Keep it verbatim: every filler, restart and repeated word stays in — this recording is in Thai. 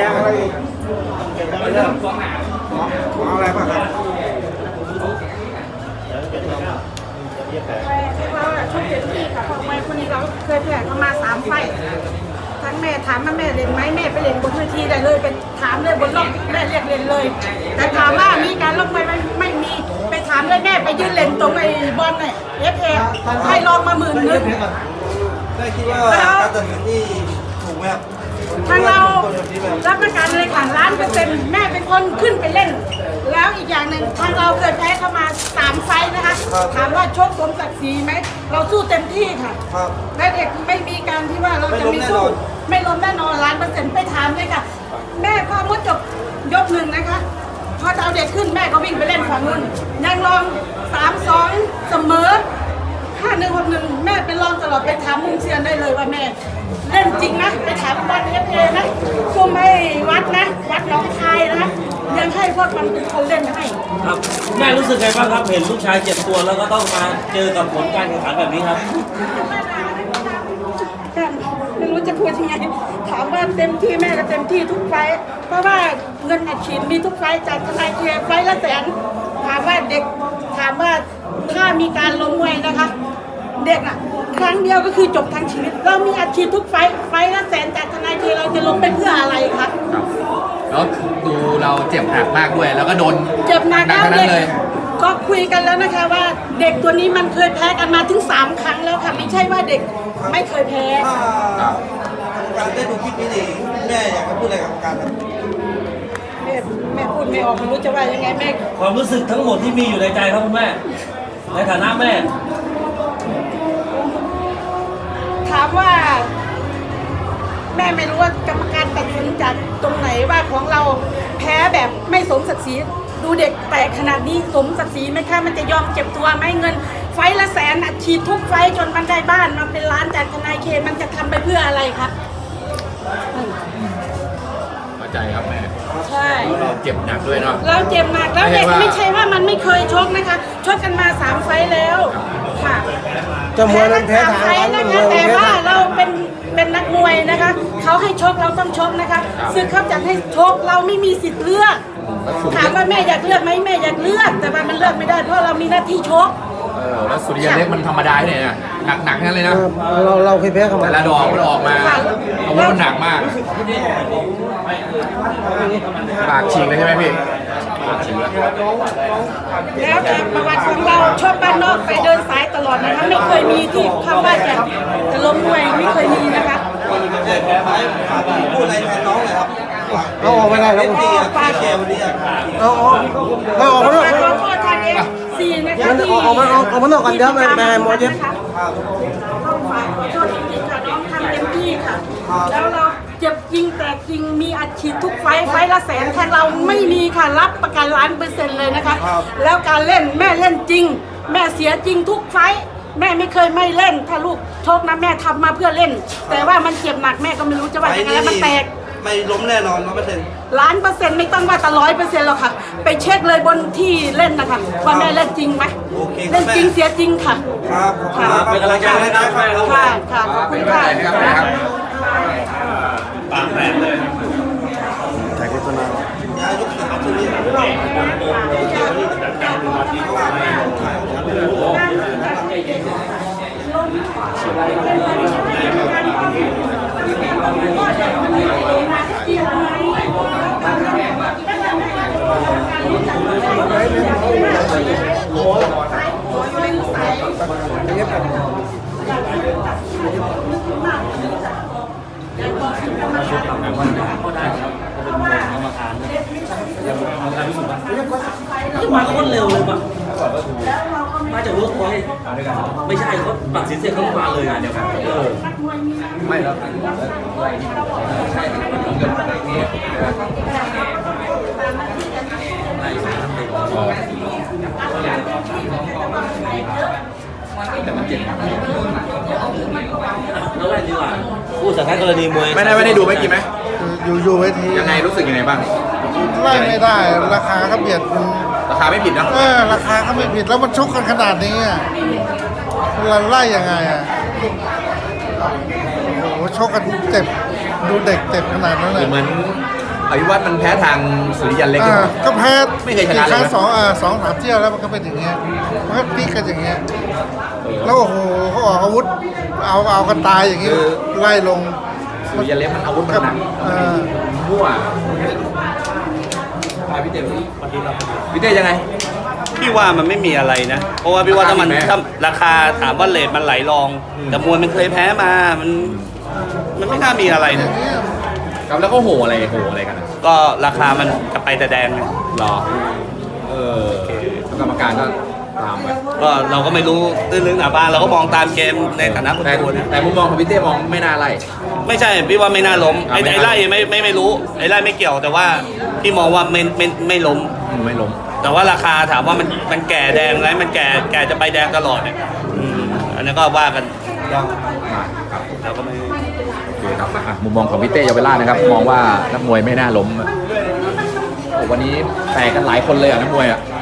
งอะไรอีกเรื่องของอะไรบ้างครับเราชอบเต็มที่ค่ะเพราะมวยคนนี้เราเคยแพ้เขามาสามไฟทั้งแม่ถามว่าแม่เล่นไหมแม่ไปเล่นบนเวทีได้เลยไปถามเลยบนรอบแม่เรียกเล่นเลย แต่ถามว่ามีการลงมวยไหมไม่มีไปถามเลยแม่ไปยืนเล่นตรงไอ้บอลเนี่ยเอฟเอให้ลองมาหมื่นนึงได้คิดว่าการตัดสินนี่ถูกไหมครับทางเรารับประกันเลยค่ะล้านเปอร์เซ็นต์แม่เป็นคนขึ้นไปเล่น แล้วอีกอย่างหนึ่งทางเราเคยแพ้เข้ามาสามไฟนะคะถามว่าชกสมศักดิ์ศรีไหมเราสู้เต็มที่ค่ะและเด็กไม่มีการที่ว่าเราจะไม่สู้ไม่ล้มแน่นอนล้านเปอร์เซ็นต์ไปถามเลยค่ะแม่พอมุดจบยกหนึ่งนะคะพอจะเอาเด็กขึ้นแม่ก็วิ่งไปเล่นฝั่งนู้นยังลองสามสองเสมอห้าหนึ่งหกหนึ่งแม่เป็นรองตลอดไปถามมุงเซียนได้เลยว่าแม่เล่นจริงนะไปถามบอลเอฟเอนะซุ่มให้วัดนะวัดหนองคายนะยังให้พวกมันเป็นคนเล่นให้ครับแม่รู้สึกไงบ้างครับเห็นลูกชายเจ็บตัวแล้วก็ต้องมาเจอกับผลการแข่งขันแบบนี้ครับไม่รู้จะพูดยังไงถามว่าเต็มที่แม่ก็เต็มที่ทุกไฟเพราะว่าเงินอัดฉีดมีทุกไฟจากทนายเคไฟละแสนถามว่าเด็กถามว่าถ้ามีการล้มมวยนะคะเด็กอ่ะครั้งเดียวก็คือจบทั้งชีวิตเรามีอัดฉีดทุกไฟไฟละแสนจากทนายเคเราจะล้มไปเพื่ออะไรครับแล้วดูเราเจ็บหนักมากด้วยแล้วก็โดนเจ็บหนักแล้วเด็กก็คุยกันแล้วนะคะว่าเด็กตัวนี้มันเคยแพ้กันมาถึงสามครั้งแล้วค่ะไม่ใช่ว่าเด็กไม่เคยแพ้การได้ดูคลิปนี้ดิแม่อยากจะพูดอะไรกับการครับแม่แม่พูดไม่ออกไม่รู้จะว่ายังไงแม่ความรู้สึกทั้งหมดที่มีอยู่ในใจครับคุณแม่ในฐานะแม่ถามว่าแม่ไม่รู้ว่ากรรมการตัดสินจากตรงไหนว่าของเราแพ้แบบไม่สมศักดิ์ศรีดูเด็กแตกขนาดนี้สมศักดิ์ศรีไหมคะมันจะยอมเจ็บตัวไหมเงินไฟละแสนอัดฉีดทุกไฟจนมันได้บ้านมาเป็นล้านจากทนายเคมันจะทำไปเพื่ออะไรครับเข้าใจครับแม่ใช่เราเจ็บหนักด้วยเนาะเราเจ็บหนักแล้วเด็กไม่ใช่ว่ามันไม่เคยชกนะคะชกกันมาสามไฟแล้วค่ะจะมวยมันแพ้ทางไฟนะคะแต่ว่าเราเป็นเป็นนักมวยนะคะเขาให้ชกเราต้องชกนะคะซึ่งเขาจะให้ชกเราไม่มีสิทธิ์เลือกถามว่าแม่อยากเลือกไหมแม่อยากเลือกแต่ว่ามันเลือกไม่ได้เพราะเรามีหน้าที่ชกเออแล้วสุริยะเล็กมันธรรมดาเนี่ยหนักหนักนั่นเลยนะเราเราเคยแพ้เขามาแต่ละดอกมันออกมาอาวุธมันหนักมากปากฉีกเลยใช่ไหมพี่ปากฉีกแล้วแต่ประวัติของเราชอบบ้านนอกไปเดินสายตลอดนะคะไม่เคยมีที่คำว่าจะจะล้มมวยไม่เคยมีนะคะพูดอะไรแทนน้องเลยครับเอาออกไม่ได้ครับพี่ฝากแชร์วันนี้เอาออกเอาออกมาหน่อยขอโทษทางเอฟซีนะคะที่ออกมาออกมาหน่อยกันเดี๋ยวแม่แม่หมอเจ็บต้องฝากขอโทษจริงๆค่ะน้องทำเต็มที่ค่ะแล้วเราเจ็บจริงแต่จริงมีอัดฉีดทุกไฟไฟละแสนแทนเราไม่มีค่ะรับประกันล้านเปอร์เซ็นต์เลยนะคะแล้วการเล่นแม่เล่นจริงแม่เสียจริงทุกไฟแม่ไม่เคยไม่เล่นถ้าลูกโชคนะแม่ทำมาเพื่อเล่นแต่ว่ามันเจ็บหนักแม่ก็ไม่รู้จะว่ายังไงแล้วมันแตกไม่ล้มแน่นอนร้อยเปอร์เซ็นต์ล้านเปอร์เซ็นต์ไม่ต้องว่าแต่ร้อยเปอร์เซ็นต์หรอกค่ะไปเช็คเลยบนที่เล่นนะคะว่าแม่เล่นจริงไหมเล่นจริงเสียจริงค่ะครับค่ะเป็นกำลังใจให้นะครับค่ะค่ะขอบคุณค่ะปากแตกเลยใช้โฆษณาย้ายยกขาทีนี้มาโคตรเร็วเลยป่ะมาจากเวิร์กพอยต์ไม่ใช่เขาตัดสินเสร็จเขามาเลยงานเดียวกันเออไม่แล้วแต่มันเจ็บแล้วอะไรดีกว่าผู้สังกัดกรณีมวยไม่ได้ไม่ได้ดูไม่กี่ไหมอยู่อยู่เวทียังไงรู้สึกยังไงบ้างไล่ไม่ได้ราคาก็เบียดราคาไม่ผิดนะเออราคาก็ไม่ผิดแล้วมันชกกันขนาดนี้อ่ะเราไล่ยังไงอ่ะโอ้โหชกกันเจ็บดูเด็กเจ็บขนาดนั้นเลยเหมือนอภิวัตมันแพ้ทางสุริยันเล็กอ่าก็แพ้ไม่เคยชนะเลยแพ้นะสองอ่าสองสามเที่ยวแล้วมันก็เป็นอย่างเงี้ยมันก็พลิกกันอย่างเงี้ยแล้วโอ้โหเขาออกอาวุธเอาเอากันตายอย่างงี้ไล่ลงสุริยันเล็กมันอาวุธมันหนักเออมั่วมาพี่เต้พี่เต้ยังไงพี่ว่ามันไม่มีอะไรนะ เพราะว่าพี่ว่าถ้ามันราคามีไหมถ้าราคาถามว่าเลทมันไหลรอง แต่มวยมันเคยแพ้มามันมันไม่น่ามีอะไรนะครับแล้วก็โหอะไรโหอะไรกันอะก็ราคามันกระไปแต่แดงไงหรอเออแล้วกรรมการก็ตามไปก็เราก็ไม่รู้ตื้นลึกหนาบางเราก็มองตามเกมในฐานะคนแต่ดูนะแต่มุมมองของพี่เต้มองไม่น่าไล่ไม่ใช่พี่ว่าไม่น่าล้มไอ้อ่ะไม่ไอ้น่าไล่ไม่ไม่ไม่รู้ไอ้ไล่ไม่เกี่ยวแต่ว่าพี่มองว่าไม่ไม่ไม่ล้มอืมไม่ล้มแต่ว่าราคาถามว่ามันมันแก่แดงแล้วมันแก่แก่จะไปแดงตลอดเนี่ยอืมอันนั้นก็ว่ากันมาครับเราก็ไม่โอเคครับอ่ะมุมมองของพี่เต้เยาวราชนะครับ มองว่านักมวยไม่น่าล้มโอ้วันนี้แตกกันหลายคนเลยอ่ะนักมวยอ่ะ